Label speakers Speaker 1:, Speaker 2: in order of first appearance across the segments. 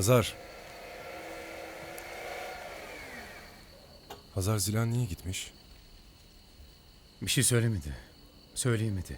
Speaker 1: Hazar. Hazar, Zilan niye gitmiş?
Speaker 2: Bir şey söylemedi. Söyleyemedi.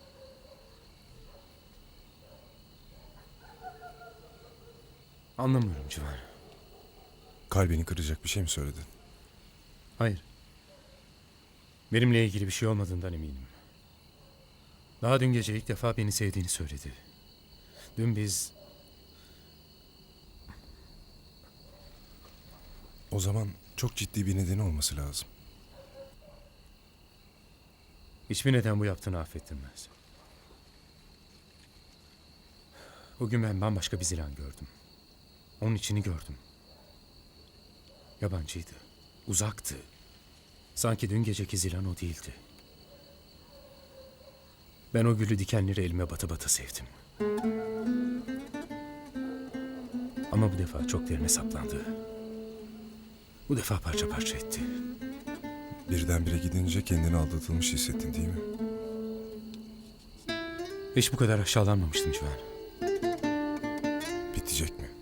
Speaker 2: Anlamıyorum Civan.
Speaker 1: Kalbini kıracak bir şey mi söyledin?
Speaker 2: Hayır. Benimle ilgili bir şey olmadığından eminim. Daha dün gece ilk defa beni sevdiğini söyledi. Dün biz...
Speaker 1: O zaman çok ciddi bir nedeni olması lazım.
Speaker 2: Hiçbir neden bu yaptığını affettirmez. Bugün ben bambaşka bir Zilan gördüm. Onun içini gördüm. Yabancıydı. Uzaktı. Sanki dün geceki Zilan o değildi. Ben o gülü dikenleri elime bata bata sevdim. Ama bu defa çok derine saplandı. Bu defa parça parça etti.
Speaker 1: Birdenbire gidince kendini aldatılmış hissettin değil mi?
Speaker 2: Hiç bu kadar aşağılanmamıştım Civan.
Speaker 1: Bitecek mi?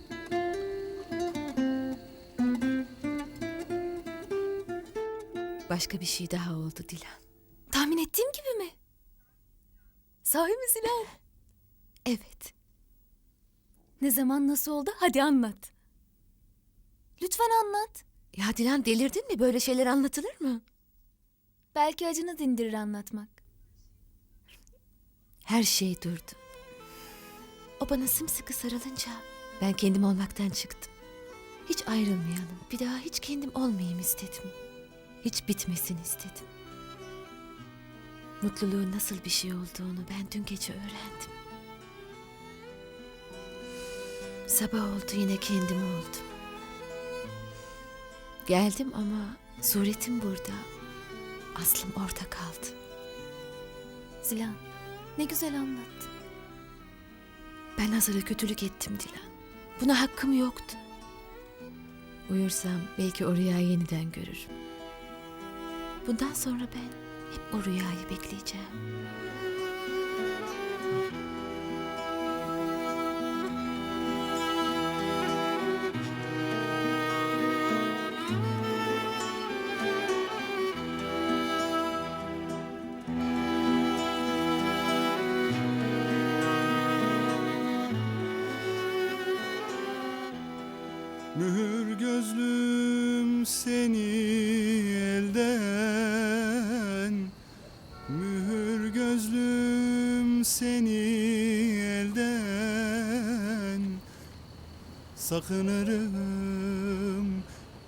Speaker 3: Başka bir şey daha oldu Dilan. Tahmin ettiğim gibi mi? Sahi mi Zilan? Evet. Ne zaman, nasıl oldu? Hadi anlat. Lütfen anlat.
Speaker 4: Ya Dilan, delirdin mi? Böyle şeyler anlatılır mı?
Speaker 3: Belki acını dindirir anlatmak.
Speaker 4: Her şey durdu. O bana sımsıkı sarılınca ben kendim olmaktan çıktım. Hiç ayrılmayalım. Bir daha hiç kendim olmayayım istedim. Hiç bitmesin istedim. Mutluluğun nasıl bir şey olduğunu ben dün gece öğrendim. Sabah oldu, yine kendim oldum. Geldim ama suretim burada. Aslım orada kaldı.
Speaker 3: Zilan, ne güzel anlattın.
Speaker 4: Ben Hazar'a kötülük ettim Dilan. Buna hakkım yoktu. Uyursam belki o rüyayı yeniden görürüm. Bundan sonra ben hep o rüyayı bekleyeceğim.
Speaker 5: Mühür gözlüm seni elden, mühür gözlüm seni elden. Sakınırım,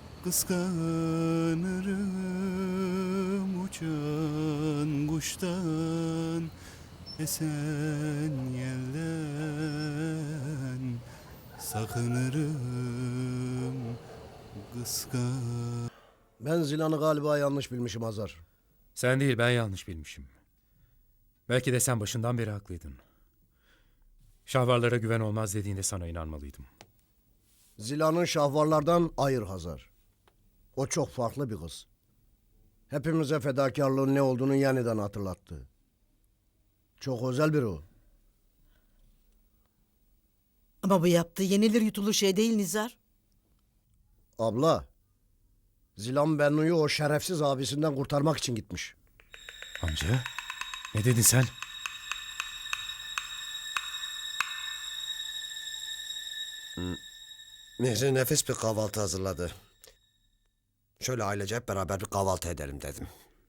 Speaker 5: kıskanırım uçan kuştan, esen yelden. Sakınırım, kıskan...
Speaker 6: Ben Zilan'ı galiba yanlış bilmişim Hazar.
Speaker 2: Sen değil, ben yanlış bilmişim. Belki de sen başından beri haklıydın. Şahvarlara güven olmaz dediğinde sana inanmalıydım.
Speaker 6: Zilan'ın şahvarlardan ayır Hazar. O çok farklı bir kız. Hepimize fedakarlığın ne olduğunu yeniden hatırlattı. Çok özel biri o.
Speaker 7: Ama bu yaptığı yenilir yutulur şey değil Nizar.
Speaker 6: Abla, Zilan Bennu'yu o şerefsiz abisinden kurtarmak için gitmiş.
Speaker 2: Amca, ne dedin sen?
Speaker 8: Mihri nefis bir kahvaltı hazırladı. Şöyle ailece hep beraber bir kahvaltı edelim dedim.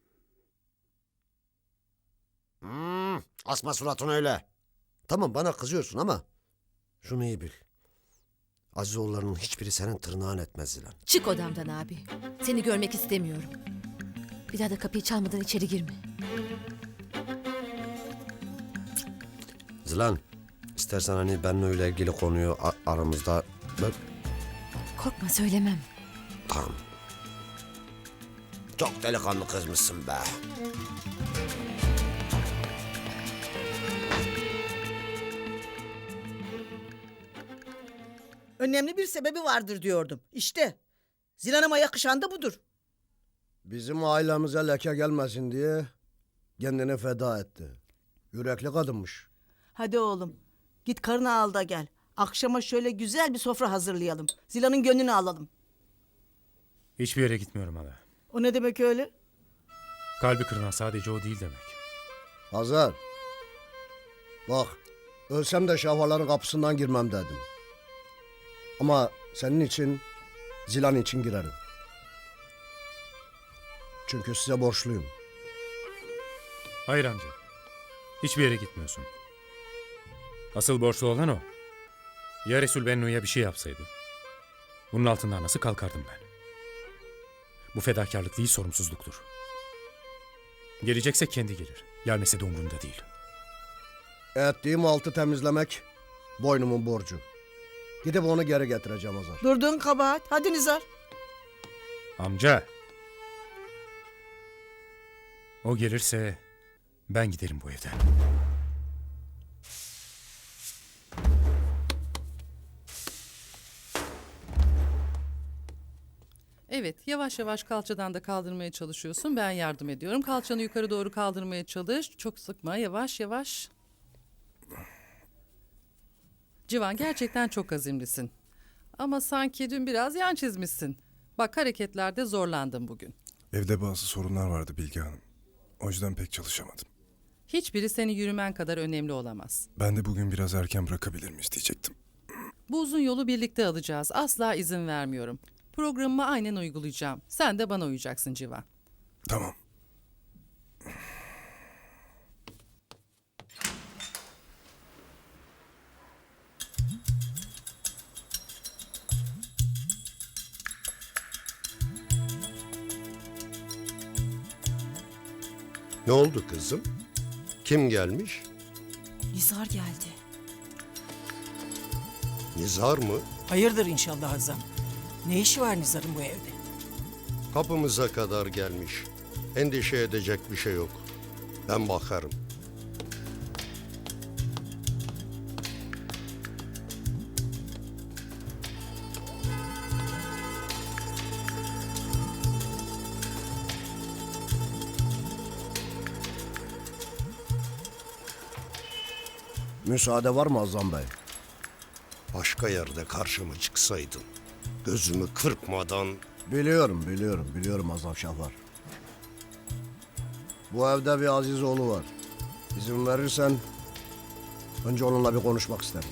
Speaker 8: Asma suratını öyle. Tamam, bana kızıyorsun ama şunu iyi bil. Azizoğullarının hiçbiri senin tırnağın etmez Zilan.
Speaker 4: Çık odamdan abi. Seni görmek istemiyorum. Bir daha da kapıyı çalmadan içeri girme.
Speaker 8: Zilan, istersen hani benimle öyle ilgili konuyu aramızda... Bak,
Speaker 4: Korkma, söylemem.
Speaker 8: tamam. Çok delikanlı kızmışsın be.
Speaker 7: Önemli bir sebebi vardır diyordum. İşte Zilan'ıma yakışan da budur.
Speaker 6: Bizim ailemize leke gelmesin diye kendini feda etti. Yürekli kadınmış.
Speaker 7: Hadi oğlum git karını al da gel. Akşama şöyle güzel bir sofra hazırlayalım. Zilan'ın gönlünü alalım.
Speaker 2: Hiçbir yere gitmiyorum hala.
Speaker 7: O ne demek öyle?
Speaker 2: Kalbi kırılan sadece o değil demek.
Speaker 6: Hazar. Bak, ölsem de şahvarların kapısından girmem dedim. Ama senin için, Zilan için girerim. Çünkü size borçluyum.
Speaker 2: Hayır amca. Hiçbir yere gitmiyorsun. Asıl borçlu olan o. Ya Resul Bennu'ya bir şey yapsaydı? Bunun altından nasıl kalkardım ben? Bu fedakarlık değil, sorumsuzluktur. Gelecekse kendi gelir. Gelmese de umurumda değil.
Speaker 6: Ettiğim altı temizlemek boynumun borcu. Gidip onu geri getireceğim Hazar.
Speaker 7: Durduğun kabahat. Hadi Nizar.
Speaker 2: Amca. O gelirse ben giderim bu evden.
Speaker 9: Evet, yavaş yavaş kalçadan da kaldırmaya çalışıyorsun. Ben yardım ediyorum. Kalçanı yukarı doğru kaldırmaya çalış. Çok sıkma, yavaş yavaş. Civan, gerçekten çok azimlisin. Ama sanki dün biraz yan çizmişsin. Bak, hareketlerde zorlandın bugün.
Speaker 1: Evde bazı sorunlar vardı Bilge Hanım. O yüzden pek çalışamadım.
Speaker 9: Hiçbiri seni yürümen kadar önemli olamaz.
Speaker 1: Ben de bugün biraz erken bırakabilir miyiz diyecektim.
Speaker 9: Bu uzun yolu birlikte alacağız. Asla izin vermiyorum. Programımı aynen uygulayacağım. Sen de bana uyacaksın Civan.
Speaker 1: Tamam.
Speaker 8: Ne oldu kızım? Kim gelmiş?
Speaker 10: Nizar geldi.
Speaker 8: Nizar mı?
Speaker 10: Hayırdır inşallah Azam. Ne işi var Nizar'ın bu evde?
Speaker 8: Kapımıza kadar gelmiş. Endişe edecek bir şey yok. Ben bakarım.
Speaker 6: Müsaade var mı Azam Bey?
Speaker 8: Başka yerde karşıma çıksaydın, gözümü kırpmadan...
Speaker 6: Biliyorum Azam Şahvar. Bu evde bir Aziz oğlu var. İzin verirsen önce onunla bir konuşmak isterim.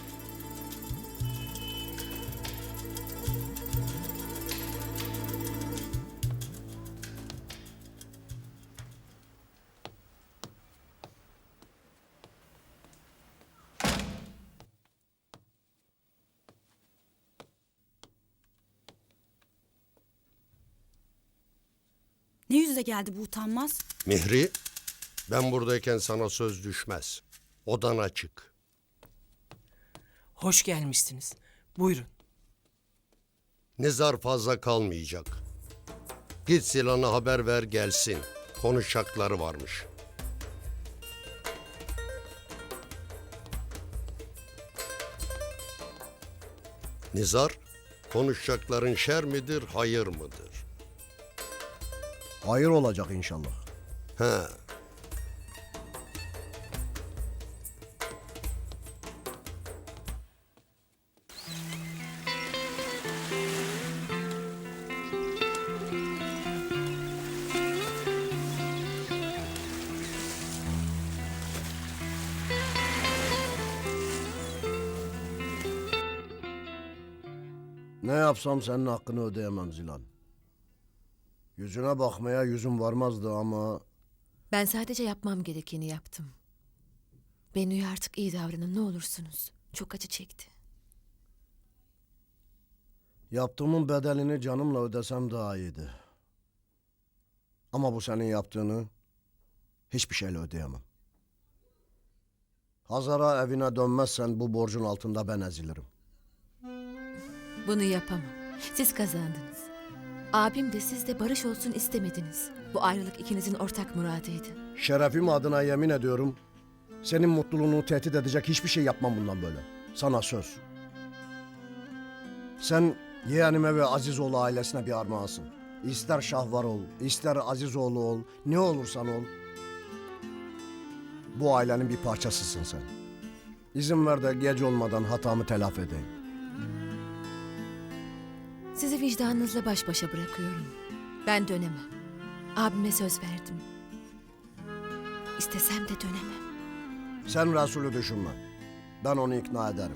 Speaker 10: Ne yüzle geldi bu utanmaz?
Speaker 8: Mihri, ben buradayken sana söz düşmez. Odana çık.
Speaker 10: Hoş gelmişsiniz. Buyurun.
Speaker 8: Nizar fazla kalmayacak. Git Zilan'a haber ver gelsin. Konuşacakları varmış. Nizar, konuşacakların şer midir, hayır mıdır?
Speaker 6: Hayır olacak inşallah.
Speaker 8: He.
Speaker 6: Ne yapsam senin hakkını ödeyemem Zilan. Yüzüne bakmaya yüzüm varmazdı ama...
Speaker 4: Ben sadece yapmam gerekeni yaptım. Bennu'ya artık iyi davranın ne olursunuz. Çok acı çekti.
Speaker 6: Yaptığımın bedelini canımla ödesem daha iyiydi. Ama bu senin yaptığını hiçbir şeyle ödeyemem. Hazar'a evine dönmezsen bu borcun altında ben ezilirim.
Speaker 4: Bunu yapamam. Siz kazandınız. Abim de siz de barış olsun istemediniz. Bu ayrılık ikinizin ortak muradıydı.
Speaker 6: Şerefim adına yemin ediyorum, senin mutluluğunu tehdit edecek hiçbir şey yapmam bundan böyle. Sana söz. Sen yeğenime ve Azizoğlu ailesine bir armağansın. İster Şahvar ol, ister Azizoğlu ol, ne olursan ol. Bu ailenin bir parçasısın sen. İzin ver de gece olmadan hatamı telafi edeyim.
Speaker 4: Sizi vicdanınızla baş başa bırakıyorum. Ben dönemem. Abime söz verdim. İstesem de dönemem.
Speaker 6: Sen Resul'ü düşünme. Ben onu ikna ederim.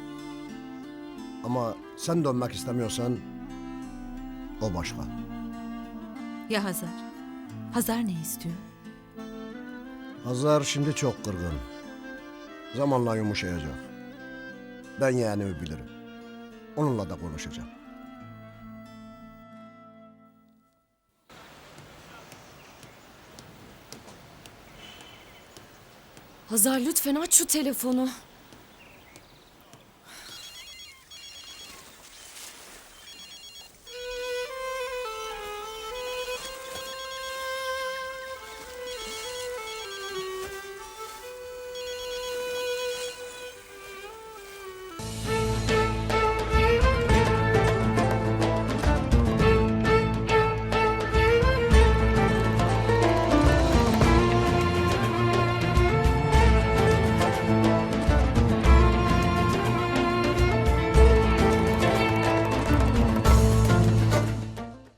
Speaker 6: Ama sen dönmek istemiyorsan o başka.
Speaker 4: Ya Hazar? Hazar ne istiyor?
Speaker 6: Hazar şimdi çok kırgın. Zamanla yumuşayacak. Ben yeğenimi bilirim. Onunla da konuşacağım.
Speaker 3: Hazar lütfen aç şu telefonu.